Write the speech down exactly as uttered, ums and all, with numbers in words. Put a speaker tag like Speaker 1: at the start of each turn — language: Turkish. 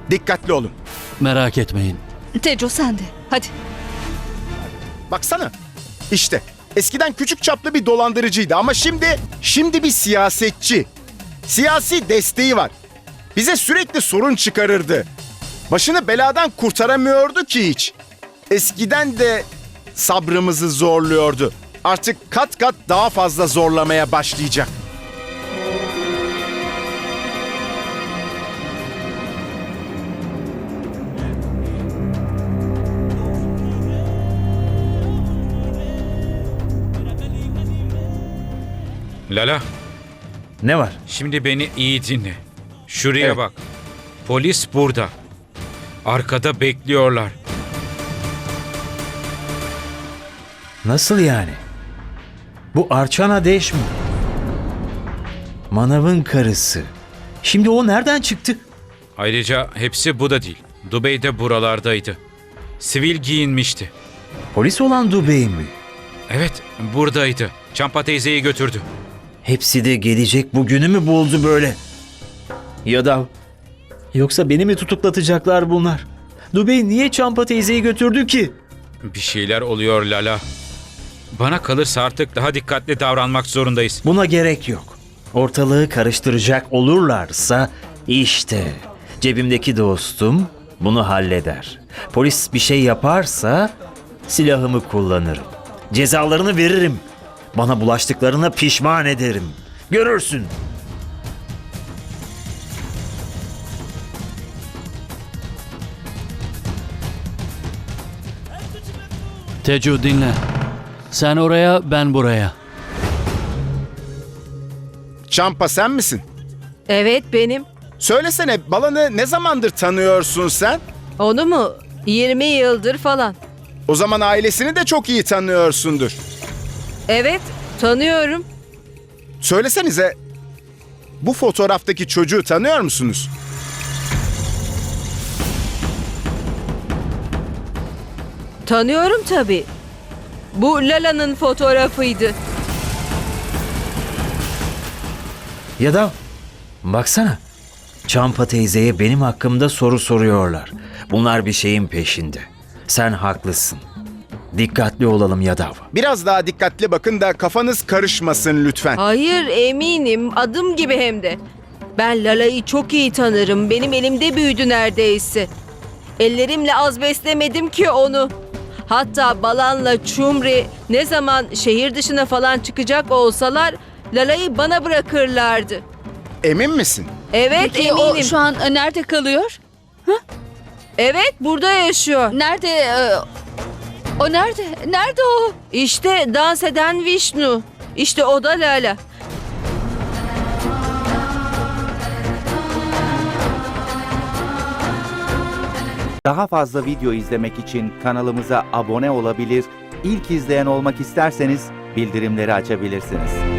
Speaker 1: Dikkatli olun.
Speaker 2: Merak etmeyin.
Speaker 3: Teco sen de. Hadi.
Speaker 1: Baksana. İşte eskiden küçük çaplı bir dolandırıcıydı ama şimdi şimdi bir siyasetçi. Siyasi desteği var. Bize sürekli sorun çıkarırdı. Başını beladan kurtaramıyordu ki hiç. Eskiden de sabrımızı zorluyordu. Artık kat kat daha fazla zorlamaya başlayacak.
Speaker 4: Lala,
Speaker 5: Ne var?
Speaker 4: şimdi beni iyi dinle. Şuraya
Speaker 1: Evet.
Speaker 4: bak. Polis burada. Arkada bekliyorlar.
Speaker 5: Nasıl yani? Bu Archana Deş mi? Manav'ın karısı. Şimdi o nereden çıktı?
Speaker 4: Ayrıca hepsi bu da değil. Dubey de buralardaydı. Sivil giyinmişti.
Speaker 5: Polis olan Dubey mi?
Speaker 4: Evet, buradaydı. Çampa teyzeyi götürdü.
Speaker 5: Hepsi de gelecek bugünü mü buldu böyle? Ya da... Yoksa beni mi tutuklatacaklar bunlar? Dubey niye Çampa teyzeyi götürdü ki?
Speaker 4: Bir şeyler oluyor Lala. Bana kalırsa artık daha dikkatli davranmak zorundayız.
Speaker 5: Buna gerek yok. Ortalığı karıştıracak olurlarsa işte cebimdeki dostum bunu halleder. Polis bir şey yaparsa silahımı kullanırım. Cezalarını veririm. Bana bulaştıklarına pişman ederim. Görürsün.
Speaker 2: Tecu dinle. Sen oraya, ben buraya.
Speaker 1: Çampa sen misin?
Speaker 6: Evet benim.
Speaker 1: Söylesene Balan'ı ne zamandır tanıyorsun sen?
Speaker 6: Onu mu? yirmi yıldır falan.
Speaker 1: O zaman ailesini de çok iyi tanıyorsundur.
Speaker 6: Evet, tanıyorum.
Speaker 1: Söylesenize bu fotoğraftaki çocuğu tanıyor musunuz?
Speaker 6: Tanıyorum tabii. Bu Lala'nın fotoğrafıydı.
Speaker 5: Ya da baksana. Çampa teyzeye benim hakkımda soru soruyorlar. Bunlar bir şeyin peşinde. Sen haklısın. Dikkatli olalım Yadav.
Speaker 1: Biraz daha dikkatli bakın da kafanız karışmasın lütfen.
Speaker 6: Hayır, eminim. Adım gibi hem de. Ben Lala'yı çok iyi tanırım. Benim elimde büyüdü neredeyse. Ellerimle az beslemedim ki onu. Hatta Balan'la Çumri ne zaman şehir dışına falan çıkacak olsalar Lala'yı bana bırakırlardı.
Speaker 1: Emin misin?
Speaker 6: Evet,
Speaker 3: Peki
Speaker 6: eminim.
Speaker 3: o şu an e, nerede kalıyor?
Speaker 6: Evet, burada yaşıyor.
Speaker 3: Nerede? e, O nerede? Nerede o?
Speaker 6: İşte dans eden Vishnu. İşte o da Lala.
Speaker 7: Daha fazla video izlemek için kanalımıza abone olabilir, ilk izleyen olmak isterseniz bildirimleri açabilirsiniz.